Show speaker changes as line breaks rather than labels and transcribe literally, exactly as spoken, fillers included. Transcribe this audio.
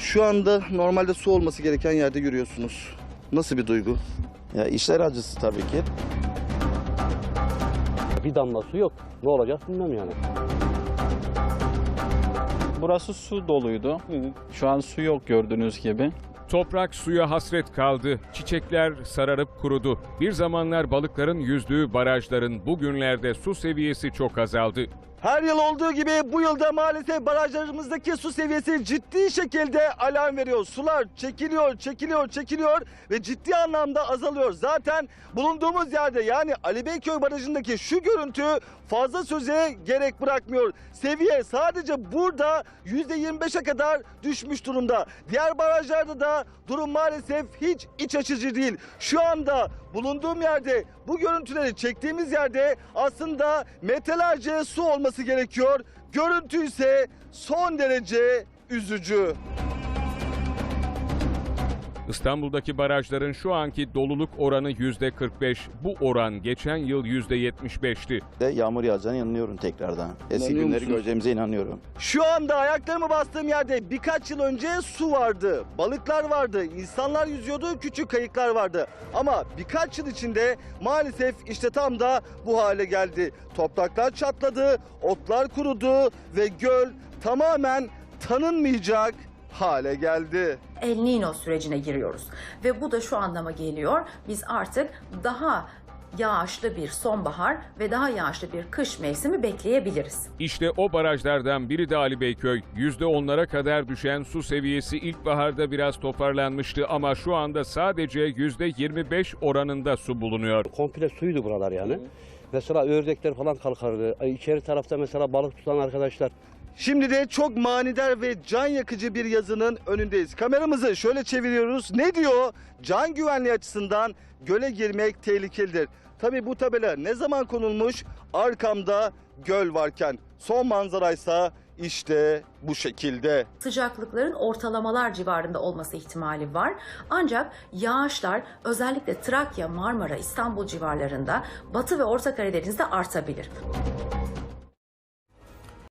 Şu anda normalde su olması gereken yerde yürüyorsunuz. Nasıl bir duygu?
Ya işler acısı tabii ki.
Bir damla su yok. Ne olacak bilmem yani.
Burası su doluydu. Şu an su yok gördüğünüz gibi.
Toprak suya hasret kaldı. Çiçekler sararıp kurudu. Bir zamanlar balıkların yüzdüğü barajların bugünlerde su seviyesi çok azaldı.
Her yıl olduğu gibi bu yılda maalesef barajlarımızdaki su seviyesi ciddi şekilde alarm veriyor. Sular çekiliyor, çekiliyor, çekiliyor ve ciddi anlamda azalıyor. Zaten bulunduğumuz yerde yani Ali Beyköy Barajı'ndaki şu görüntü fazla söze gerek bırakmıyor. Seviye sadece burada yüzde yirmi beşe kadar düşmüş durumda. Diğer barajlarda da durum maalesef hiç iç açıcı değil. Şu anda bulunduğum yerde, bu görüntüleri çektiğimiz yerde aslında metrelerce su olması gerekiyor. Görüntü ise son derece üzücü.
İstanbul'daki barajların şu anki doluluk oranı yüzde kırk beş. Bu oran geçen yıl yüzde yetmiş beşti.
De yağmur yağacağına inanıyorum tekrardan. Eski
İnanıyor
günleri
musunuz?
göreceğimize inanıyorum.
Şu anda ayaklarımı bastığım yerde birkaç yıl önce su vardı, balıklar vardı, insanlar yüzüyordu, küçük kayıklar vardı. Ama birkaç yıl içinde maalesef işte tam da bu hale geldi. Topraklar çatladı, otlar kurudu ve göl tamamen tanınmayacak hale geldi.
El Niño sürecine giriyoruz ve bu da şu anlama geliyor. Biz artık daha yağışlı bir sonbahar ve daha yağışlı bir kış mevsimi bekleyebiliriz.
İşte o barajlardan biri de Ali Beyköy. yüzde onlara kadar düşen su seviyesi ilkbaharda biraz toparlanmıştı ama şu anda sadece yüzde yirmi beş oranında su bulunuyor.
Komple suydu buralar yani. Mesela ördekler falan kalkardı. İçeri tarafta mesela balık tutan arkadaşlar.
Şimdi de çok manidar ve can yakıcı bir yazının önündeyiz. Kameramızı şöyle çeviriyoruz. Ne diyor? Can güvenliği açısından göle girmek tehlikelidir. Tabii bu tabela ne zaman konulmuş? Arkamda göl varken. Son manzaraysa işte bu şekilde.
Sıcaklıkların ortalamalar civarında olması ihtimali var. Ancak yağışlar özellikle Trakya, Marmara, İstanbul civarlarında, Batı ve Orta Karadeniz'de artabilir.